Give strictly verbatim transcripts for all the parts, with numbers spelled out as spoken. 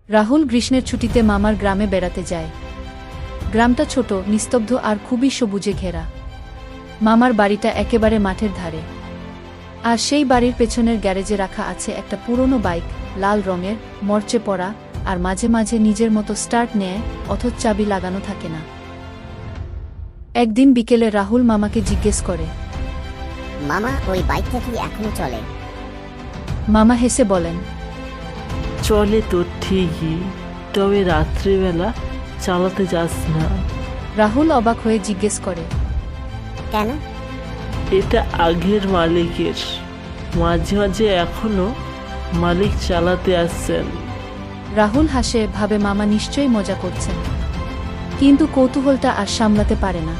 রাহুল গ্রীষ্মের ছুটিতে মামার গ্রামে বেড়াতে যায়। গ্রামটা ছোট, নিস্তব্ধ আর খুবই সবুজে ঘেরা। মামার বাড়িটা একেবারে মাঠের ধারে, আর সেই বাড়ির পেছনের গ্যারেজে রাখা আছে একটা পুরনো বাইক, লাল রঙের, মরচে পড়া, আর মাঝে মাঝে নিজের মতো স্টার্ট নেয়, অথচ চাবি লাগানো থাকে না। একদিন বিকেলে রাহুল মামাকে জিজ্ঞেস করে, মামা, ওই বাইকটা কি এখনো চলে? মামা হেসে বলেন, চলে তো ঠিকই, তবে রাত্রিবেলা চালাতে যাস না। রাহুল অবাক হয়ে জিজ্ঞেস করে, কেন? এটা আগের মালিকের, মাঝে মাঝে এখনো মালিক চালাতে আসছেন। রাহুল হাসে, ভাবে মামা নিশ্চয়ই মজা করছেন, কিন্তু কৌতূহলটা আর সামলাতে পারে না।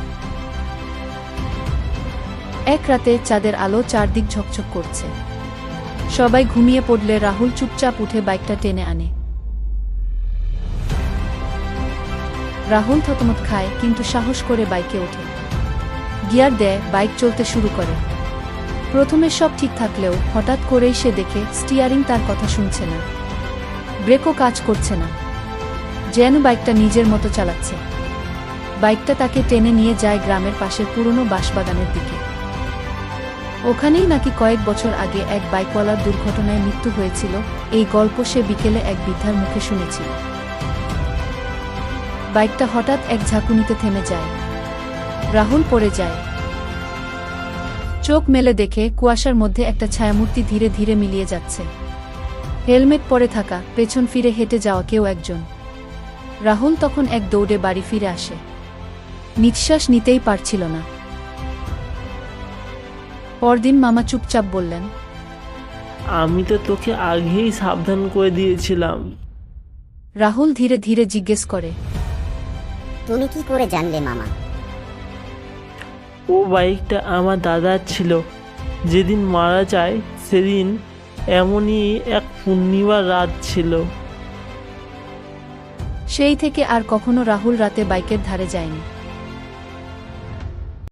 এক রাতে চাঁদের আলো চারদিক ঝকঝক করছে। সবাই ঘুমিয়ে পড়লে রাহুল চুপচাপ উঠে বাইকটা টেনে আনে। রাহুল থতমত খায়, কিন্তু সাহস করে বাইকে ওঠে, গিয়ার দেয়, বাইক চলতে শুরু করে। প্রথমে সব ঠিক থাকলেও হঠাৎ করেই সে দেখে স্টিয়ারিং তার কথা শুনছে না, ব্রেকও কাজ করছে না, যেন বাইকটা নিজের মতো চালাচ্ছে। বাইকটা তাকে টেনে নিয়ে যায় গ্রামের পাশের পুরনো বাঁশবাগানের দিকে। ওখানেই নাকি কয়েক বছর আগে এক বাইকওয়ালার দুর্ঘটনায় মৃত্যু হয়েছিল। এই গল্প সে বিকেলে এক বৃদ্ধার মুখে শুনেছিল। বাইকটা হঠাৎ এক ঝাঁকুনিতে থেমে যায়। রাহুল পড়ে যায়। চোখ মেলে দেখে কুয়াশার মধ্যে একটা ছায়ামূর্তি ধীরে ধীরে মিলিয়ে যাচ্ছে। হেলমেট পরে থাকা, পেছন ফিরে হেঁটে যাওয়া কেউ একজন। রাহুল তখন এক দৌড়ে বাড়ি ফিরে আসে। নিঃশ্বাস নিতেই পারছিল না। পরদিন মামা চুপচাপ বললেন, আমি তো তোকে আগেই সাবধান করে দিয়েছিলাম। রাহুল ধীরে ধীরে জিজ্ঞেস করে, তুমি কি করে জানলে মামা? ও বাইকটা আমার দাদার ছিল। যেদিন মারা যায় সেদিন এমনই এক পূর্ণিমার রাত ছিল। সেই থেকে আর কখনো রাহুল রাতে বাইকের ধারে যায়নি।